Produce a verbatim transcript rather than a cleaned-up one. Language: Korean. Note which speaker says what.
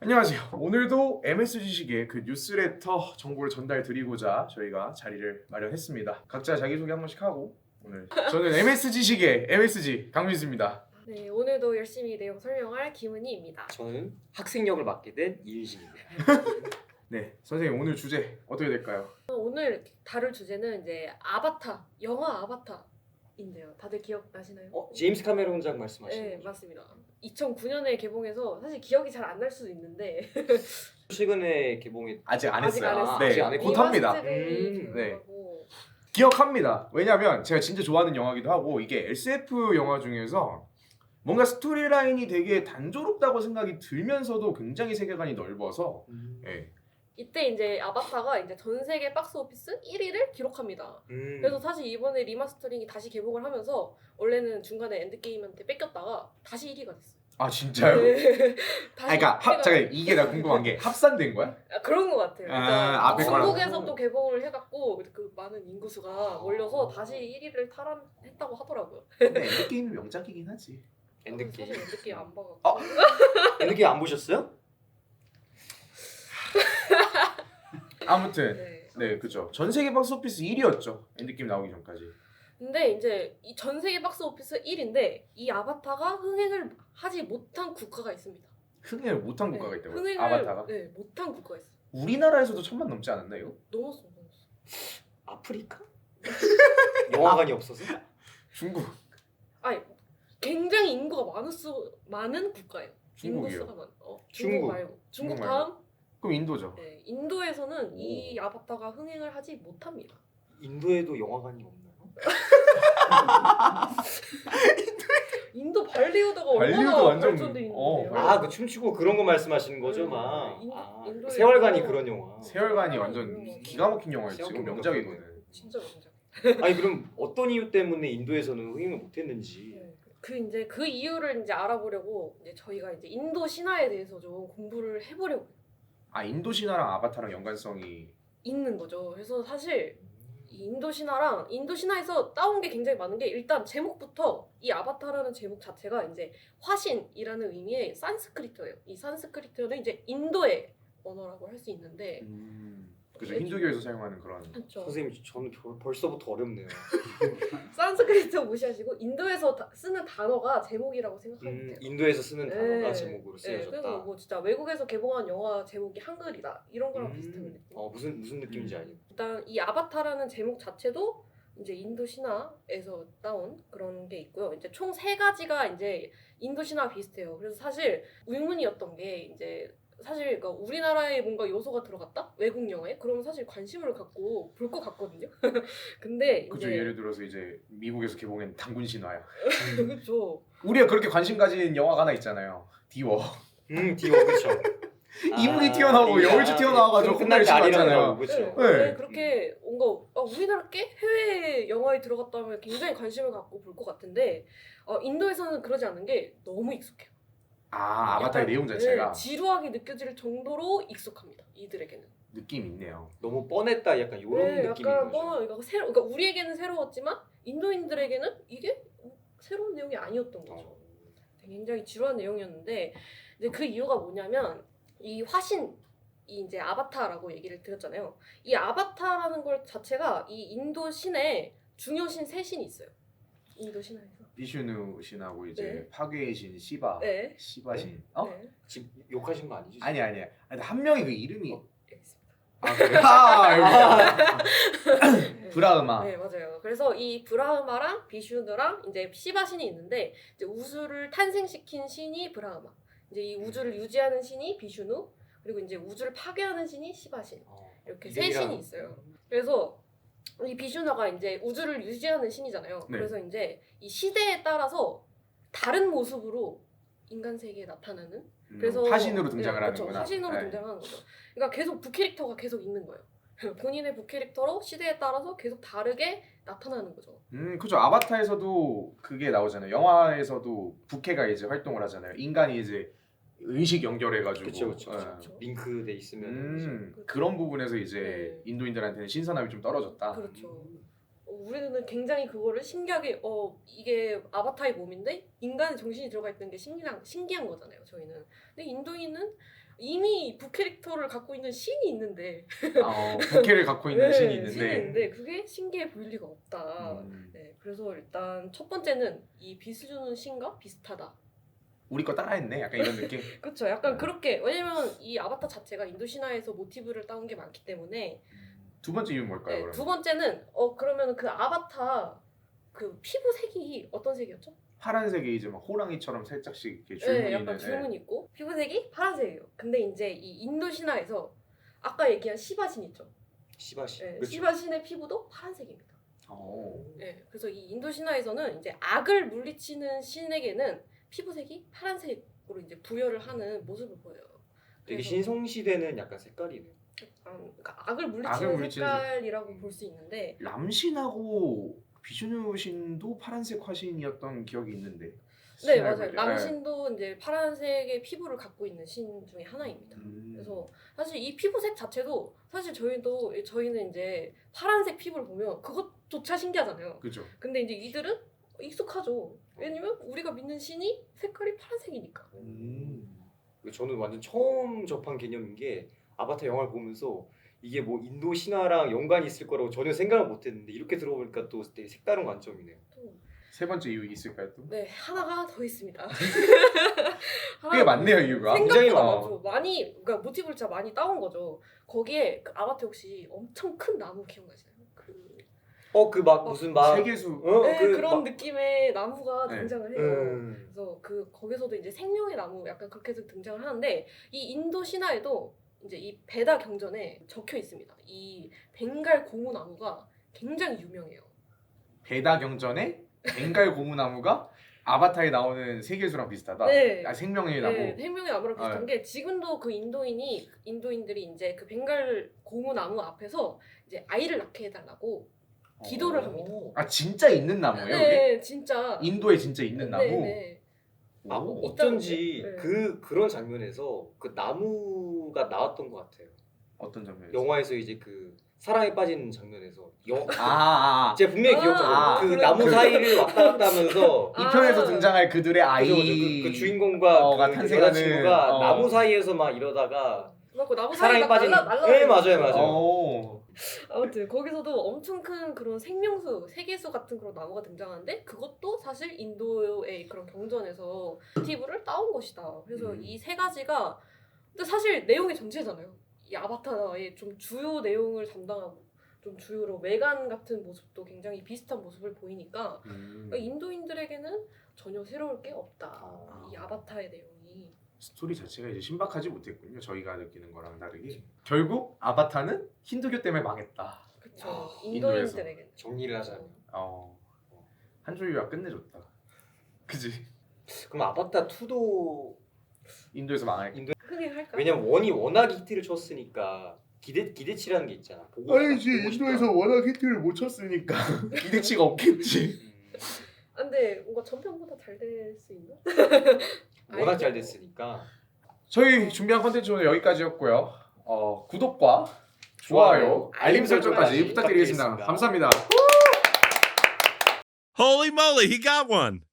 Speaker 1: 안녕하세요. 오늘도 엠에스 지식의 그 뉴스레터 정보를 전달 드리고자 저희가 자리를 마련했습니다. 각자 자기소개 한 번씩 하고 오늘 저는 엠에스 지식의 엠에스지 강민수입니다.
Speaker 2: 네, 오늘도 열심히 내용 설명할 김은희입니다.
Speaker 3: 저는 학생 역을 맡게 된 이윤식입니다.
Speaker 1: 네, 선생님 오늘 주제 어떻게 될까요?
Speaker 2: 오늘 다룰 주제는 이제 아바타, 영화 아바타인데요. 다들 기억나시나요?
Speaker 3: 어, 제임스 카메론 작 말씀하시는
Speaker 2: 네,
Speaker 3: 거죠?
Speaker 2: 맞습니다. 이천구 년에 개봉해서 사실 기억이 잘 안 날 수도 있는데
Speaker 3: 최근에 개봉이
Speaker 1: 아직 안
Speaker 2: 아직
Speaker 1: 했어요.
Speaker 2: 안 했어요.
Speaker 1: 네,
Speaker 3: 아직 안 했고.
Speaker 1: 곧 합니다.
Speaker 2: 리마스터링이
Speaker 3: 음,
Speaker 1: 네.
Speaker 2: 들어가고
Speaker 1: 기억합니다. 왜냐면 제가 진짜 좋아하는 영화기도 하고 이게 에스에프 영화 중에서 뭔가 스토리라인이 되게 단조롭다고 생각이 들면서도 굉장히 세계관이 넓어서
Speaker 3: 음.
Speaker 1: 예.
Speaker 2: 이때 이제 아바타가 이제 전 세계 박스 오피스 일 위를 기록합니다.
Speaker 3: 음.
Speaker 2: 그래서 사실 이번에 리마스터링이 다시 개봉을 하면서 원래는 중간에 엔드게임한테 뺏겼다가 다시 일 위가 됐어요.
Speaker 1: 아 진짜요?
Speaker 2: 네.
Speaker 1: 아 그러니까 합,
Speaker 2: 해가-
Speaker 1: 잠깐 이게 나 궁금한 게 합산된 거야?
Speaker 2: 아, 그런 것 같아요.
Speaker 1: 아,
Speaker 2: 그러니까
Speaker 1: 앞에 거랑.
Speaker 2: 중국에서 또 개봉을 해갖고 그 많은 인구수가 몰려서 다시 일 위를 탈환했다고 하더라고요.
Speaker 1: 근데 엔드게임이 명작이긴 하지.
Speaker 3: 엔드게임.
Speaker 2: 사실 엔드게임 안 봐갖고.
Speaker 1: 어?
Speaker 3: 엔드게임 안 보셨어요?
Speaker 1: 아무튼
Speaker 2: 네.
Speaker 1: 네 그죠. 전 세계 박스오피스 일 위였죠. 엔드게임 나오기 전까지.
Speaker 2: 근데 이제 이 전 세계 박스 오피스 일 위인데 이 아바타가 흥행을 하지 못한 국가가 있습니다.
Speaker 1: 흥행을 못한 국가가
Speaker 2: 네,
Speaker 1: 있다고요?
Speaker 2: 흥행을
Speaker 1: 아바타가?
Speaker 2: 네, 못한 국가가 있어요.
Speaker 1: 우리나라에서도 천만 넘지 않았나요?
Speaker 2: 넘었어, 넘었어.
Speaker 3: 아프리카? 영화관이 없어서?
Speaker 1: 중국.
Speaker 2: 아니 굉장히 인구가 많았어 많은 국가예요.
Speaker 1: 중국이요?
Speaker 2: 인구수가 많. 어, 중국,
Speaker 3: 중국.
Speaker 2: 말고 중국
Speaker 1: 중국
Speaker 2: 다음.
Speaker 1: 그럼 인도죠.
Speaker 2: 네, 인도에서는 이 아바타가 흥행을 하지 못합니다.
Speaker 3: 인도에도 영화관이 없나요?
Speaker 2: 인도 발리우드가
Speaker 1: 발리우드
Speaker 2: 얼마나
Speaker 1: 완전-
Speaker 2: 발전돼 있는데요.
Speaker 1: 어, 발리우드.
Speaker 3: 아, 그 춤추고 그런 거 말씀하시는 거죠,
Speaker 2: 음,
Speaker 3: 막.
Speaker 2: 인-
Speaker 3: 아,
Speaker 2: 인도에
Speaker 3: 세월간이
Speaker 2: 있고.
Speaker 3: 그런 영화.
Speaker 1: 세월간이
Speaker 2: 아,
Speaker 1: 완전
Speaker 2: 그런
Speaker 1: 기가 막힌 영화였지.
Speaker 3: 기가
Speaker 1: 이건
Speaker 3: 막힌
Speaker 1: 명작이거든.
Speaker 2: 진짜 명작.
Speaker 3: 아니 그럼 어떤 이유 때문에 인도에서는 흥행을 못했는지.
Speaker 2: 네. 그 이제 그 이유를 이제 알아보려고 이제 저희가 이제 인도 신화에 대해서 좀 공부를 해보려고
Speaker 1: 아 인도 신화랑 아바타랑 연관성이
Speaker 2: 있는 거죠. 그래서 사실 이 인도 신화랑 인도 신화에서 따온 게 굉장히 많은 게 일단 제목부터 이 아바타라는 제목 자체가 이제 화신이라는 의미의 산스크리트예요. 이 산스크리트는 이제 인도의 언어라고 할 수 있는데
Speaker 1: 음, 그죠. 힌두교에서 사용하는 그런.
Speaker 2: 그렇죠.
Speaker 3: 선생님 저는 벌- 벌써부터 어렵네요.
Speaker 2: 산스크리트 무시하시고 인도에서 다- 쓰는 단어가 제목이라고 생각하면
Speaker 3: 음,
Speaker 2: 돼요.
Speaker 3: 인도에서 쓰는
Speaker 2: 네.
Speaker 3: 단어가 제목으로
Speaker 2: 네, 그래서
Speaker 3: 쓰여졌다.
Speaker 2: 뭐 진짜 외국에서 개봉한 영화 제목이 한글이다 이런 거랑 비슷한
Speaker 3: 음,
Speaker 2: 느낌.
Speaker 3: 어 무슨 무슨 느낌인지 알죠.
Speaker 2: 일단 이 아바타라는 제목 자체도 이제 인도 신화에서 따온 그런 게 있고요. 이제 총 세 가지가 이제 인도 신화 비슷해요. 그래서 사실 의문이었던 게 이제 사실 그러니까 우리나라에 뭔가 요소가 들어갔다 외국 영화에 그러면 사실 관심을 갖고 볼 것 같거든요. 근데
Speaker 1: 그죠.
Speaker 2: 이제
Speaker 1: 예를 들어서 이제 미국에서 개봉한 단군 신화야.
Speaker 2: 그렇죠.
Speaker 1: 우리가 그렇게 관심 가진 영화가 하나 있잖아요. 디워.
Speaker 3: 음, 디워 그렇죠.
Speaker 1: 이분이 튀어나오고 여울주 튀어나와가지고
Speaker 3: 끝날 때
Speaker 1: 혼날
Speaker 3: 아니라는
Speaker 1: 치고
Speaker 3: 거 그렇죠.
Speaker 2: 네,
Speaker 1: 네.
Speaker 2: 원래 그렇게 뭔가 아, 우리나라 게 해외 영화에 들어갔다면 굉장히 관심을 갖고 볼 것 같은데 어, 인도에서는 그러지 않은 게 너무 익숙해요.
Speaker 1: 아 아바타의
Speaker 2: 약간,
Speaker 1: 내용 자체가
Speaker 2: 네, 지루하게 느껴질 정도로 익숙합니다. 이들에게는.
Speaker 1: 느낌 있네요.
Speaker 3: 너무 뻔했다 약간 이런
Speaker 2: 네,
Speaker 3: 느낌인
Speaker 2: 약간
Speaker 3: 거죠.
Speaker 2: 뭐 그러니까 새로 그러니까 우리에게는 새로웠지만 인도인들에게는 이게 새로운 내용이 아니었던 거죠.
Speaker 3: 어.
Speaker 2: 굉장히 지루한 내용이었는데 이제 그 이유가 뭐냐면 이 화신 이 이제 아바타라고 얘기를 드렸잖아요. 이 아바타라는 걸 자체가 이 인도 신에 중요 신 세 신이 있어요. 인도 신화에서.
Speaker 1: 비슈누 신하고 이제
Speaker 2: 네.
Speaker 1: 파괴의 신 시바.
Speaker 2: 네.
Speaker 1: 시바 신. 어?
Speaker 2: 네.
Speaker 3: 지금 욕하신 거 아니죠?
Speaker 1: 아니 아니야. 아니 한 명이 그 이름이.
Speaker 2: 어, 여기 있습니다.
Speaker 1: 아 그래. 아 여기. 브라흐마.
Speaker 2: 네 맞아요. 그래서 이 브라흐마랑 비슈누랑 이제 시바 신이 있는데 이제 우주를 탄생시킨 신이 브라흐마. 이제 이 우주를 유지하는 신이 비슈누. 그리고 이제 우주를 파괴하는 신이 시바 신.
Speaker 3: 어,
Speaker 2: 이렇게 세
Speaker 3: 이름이랑-
Speaker 2: 신이 있어요. 그래서 이 비슈나가 이제 우주를 유지하는 신이잖아요.
Speaker 1: 네.
Speaker 2: 그래서 이제 이 시대에 따라서 다른 모습으로 인간 세계에 나타나는.
Speaker 1: 음,
Speaker 2: 그래서
Speaker 1: 화신으로 등장을
Speaker 2: 네, 그렇죠.
Speaker 1: 하는구나.
Speaker 2: 화신으로
Speaker 1: 네.
Speaker 2: 등장하는 거죠. 그러니까 계속 부캐릭터가 계속 있는 거예요. 본인의 부캐릭터로 시대에 따라서 계속 다르게 나타나는 거죠.
Speaker 1: 음, 그죠. 아바타에서도 그게 나오잖아요. 영화에서도 부캐가 이제 활동을 하잖아요. 인간이 이제 의식 연결해가지고.
Speaker 3: 그쵸 그쵸.
Speaker 1: 예.
Speaker 2: 그쵸.
Speaker 3: 링크돼 있으면
Speaker 1: 음,
Speaker 2: 그렇죠.
Speaker 1: 그런 부분에서 이제
Speaker 2: 네.
Speaker 1: 인도인들한테는 신선함이 좀 떨어졌다.
Speaker 2: 그렇죠. 어, 우리는 굉장히 그거를 신기하게 어 이게 아바타의 몸인데 인간의 정신이 들어가 있는 게 신기한 신기한 거잖아요. 저희는. 근데 인도인은 이미 부캐릭터를 갖고 있는 신이 있는데
Speaker 1: 어, 부캐를 갖고 있는
Speaker 2: 네,
Speaker 1: 신이 있는데.
Speaker 2: 신이 있는데 그게 신기해 보일 리가 없다.
Speaker 1: 음,
Speaker 2: 네, 그래서 일단 첫 번째는 이 비스주는 신과 비슷하다.
Speaker 1: 우리 거 따라했네. 약간 이런 느낌.
Speaker 2: 그렇죠. 약간
Speaker 1: 네.
Speaker 2: 그렇게 왜냐면 이 아바타 자체가 인도 신화에서 모티브를 따온 게 많기 때문에
Speaker 1: 두 번째 이유는 뭘까요?
Speaker 2: 네,
Speaker 1: 그러면?
Speaker 2: 두 번째는 어 그러면 그 아바타 그 피부 색이 어떤 색이었죠?
Speaker 1: 파란색이 이제 막 호랑이처럼 살짝씩 이렇게
Speaker 2: 네,
Speaker 1: 줄무늬
Speaker 2: 약간
Speaker 1: 있는.
Speaker 2: 줄무늬 있고 피부색이 파란색이에요. 근데 이제 이 인도 신화에서 아까 얘기한 시바신 있죠.
Speaker 3: 시바시.
Speaker 2: 네,
Speaker 3: 그렇죠.
Speaker 2: 시바신의 피부도 파란색입니다.
Speaker 1: 어.
Speaker 2: 네, 그래서 이 인도 신화에서는 이제 악을 물리치는 신에게는 피부색이 파란색으로 이제 부여를 하는 모습을 보여요.
Speaker 3: 되게
Speaker 2: 그래서
Speaker 3: 신성 시대는 약간 색깔이네.
Speaker 2: 약간 그러니까 악을 물리치는
Speaker 1: 악을 물리치는
Speaker 2: 색깔이라고 볼 수 있는데
Speaker 1: 람신하고 비주누 신도 파란색 화신이었던 기억이 있는데.
Speaker 2: 네
Speaker 1: 신화를
Speaker 2: 맞아요.
Speaker 1: 볼 때.
Speaker 2: 람신도 이제 파란색의 피부를 갖고 있는 신 중에 하나입니다.
Speaker 1: 음.
Speaker 2: 그래서 사실 이 피부색 자체도 사실 저희도 저희는 이제 파란색 피부를 보면 그것조차 신기하잖아요.
Speaker 1: 그죠.
Speaker 2: 근데 이제 이들은 익숙하죠. 왜냐면 우리가 믿는 신이 색깔이 파란색이니까.
Speaker 1: 음.
Speaker 3: 저는 완전 처음 접한 개념인 게 아바타 영화를 보면서 이게 뭐 인도 신화랑 연관이 있을 거라고 전혀 생각을 못했는데 이렇게 들어보니까 또 되게 색다른 관점이네요.
Speaker 2: 또,
Speaker 1: 세 번째 이유 있을까요 또?
Speaker 2: 네 하나가 더 있습니다.
Speaker 1: 꽤 많네요 이유가.
Speaker 3: 굉장히
Speaker 2: 생각보다
Speaker 3: 많아.
Speaker 2: 많죠. 많이 그러니까 모티브를 진짜 많이 따온 거죠. 거기에 그 아바타 혹시 엄청 큰 나무 기억나시나요? 그
Speaker 3: 어 그 막
Speaker 2: 어,
Speaker 3: 무슨 막
Speaker 1: 세계수.
Speaker 3: 어,
Speaker 2: 네,
Speaker 3: 그
Speaker 2: 그런
Speaker 3: 막-
Speaker 2: 느낌의 나무가
Speaker 1: 네.
Speaker 2: 등장을 해요.
Speaker 3: 음.
Speaker 2: 그래서 그 거기서도 이제 생명의 나무 약간 그렇게 해서 등장을 하는데 이 인도 신화에도 이제 이 베다 경전에 적혀 있습니다. 이 벵갈 고무 나무가 굉장히 유명해요.
Speaker 1: 베다 경전에 벵갈 고무나무가 아바타에 나오는 세계수랑 비슷하다.
Speaker 2: 네.
Speaker 1: 아, 생명의 나무.
Speaker 2: 네, 생명의 나무랑 비슷한
Speaker 1: 아,
Speaker 2: 게 지금도 그 인도인이 인도인들이 이제 그 벵갈 고무 나무 앞에서 이제 아이를 낳게 해달라고 기도를 합니다.
Speaker 3: 오.
Speaker 1: 아 진짜 있는 나무예요? 이게?
Speaker 2: 네, 진짜.
Speaker 1: 인도에 진짜 있는 나무.
Speaker 2: 네, 네.
Speaker 3: 아
Speaker 1: 오.
Speaker 3: 어쩐지
Speaker 2: 네.
Speaker 3: 그 그런 장면에서 그 나무가 나왔던 것 같아요.
Speaker 1: 어떤 장면에서?
Speaker 3: 영화에서 이제 그 사랑에 빠지는 장면에서 영
Speaker 1: 아, 아, 아.
Speaker 3: 제가 분명히
Speaker 2: 아,
Speaker 3: 기억하거든요.
Speaker 1: 아,
Speaker 3: 그
Speaker 2: 그래.
Speaker 3: 나무
Speaker 1: 그-
Speaker 3: 사이를 왔다 갔다 하면서
Speaker 1: 이 편에서
Speaker 2: 아.
Speaker 1: 등장할 그들의 아이.
Speaker 3: 그죠, 그죠. 그, 그 주인공과
Speaker 1: 어가
Speaker 3: 그
Speaker 1: 탄생하는,
Speaker 3: 여자친구가
Speaker 1: 어.
Speaker 3: 나무 사이에서 막 이러다가
Speaker 2: 그래갖고 나무
Speaker 3: 사랑에
Speaker 2: 사이가
Speaker 3: 빠지는
Speaker 2: 날라 날라.
Speaker 3: 네 맞아요 맞아요.
Speaker 1: 어.
Speaker 2: 아무튼 거기서도 엄청 큰 그런 생명수, 세계수 같은 그런 나무가 등장하는데 그것도 사실 인도의 그런 경전에서 모티브를 따온 것이다. 그래서
Speaker 1: 음.
Speaker 2: 이 세 가지가 근데 사실 내용이 전체잖아요. 이 아바타의 좀 주요 내용을 담당하고 좀 주요로 외관 같은 모습도 굉장히 비슷한 모습을 보이니까
Speaker 1: 음.
Speaker 2: 그러니까 인도인들에게는 전혀 새로울 게 없다.
Speaker 1: 아.
Speaker 2: 이 아바타의 내용이.
Speaker 1: 스토리 자체가 이제 신박하지 못했군요. 저희가 느끼는 거랑 다르게. 결국 아바타는 힌두교 때문에 망했다.
Speaker 2: 그쵸.
Speaker 3: 아,
Speaker 2: 인도인들에게는.
Speaker 3: 정리를 하자면
Speaker 1: 어. 한조유가 끝내줬다. 그지?
Speaker 3: 그럼 아바타 투도
Speaker 1: 인도에서 망할.
Speaker 3: 인도
Speaker 2: 크게 할까요?
Speaker 3: 왜냐면 원이 워낙 히트를 쳤으니까 기대 기대치라는 게 있잖아. 보고
Speaker 1: 아니지
Speaker 3: 보고 싶다.
Speaker 1: 인도에서 워낙 히트를 못 쳤으니까 기대치가 없겠지.
Speaker 3: 음,
Speaker 2: 아, 근데 뭔가 전편보다 잘 될 수 있나?
Speaker 3: 워낙 잘 됐으니까
Speaker 1: 저희 준비한 컨텐츠는 여기까지였고요. 어, 구독과 좋아요, 알림 설정까지 부탁드리겠습니다. 감사합니다.
Speaker 4: Holy moly, he got one.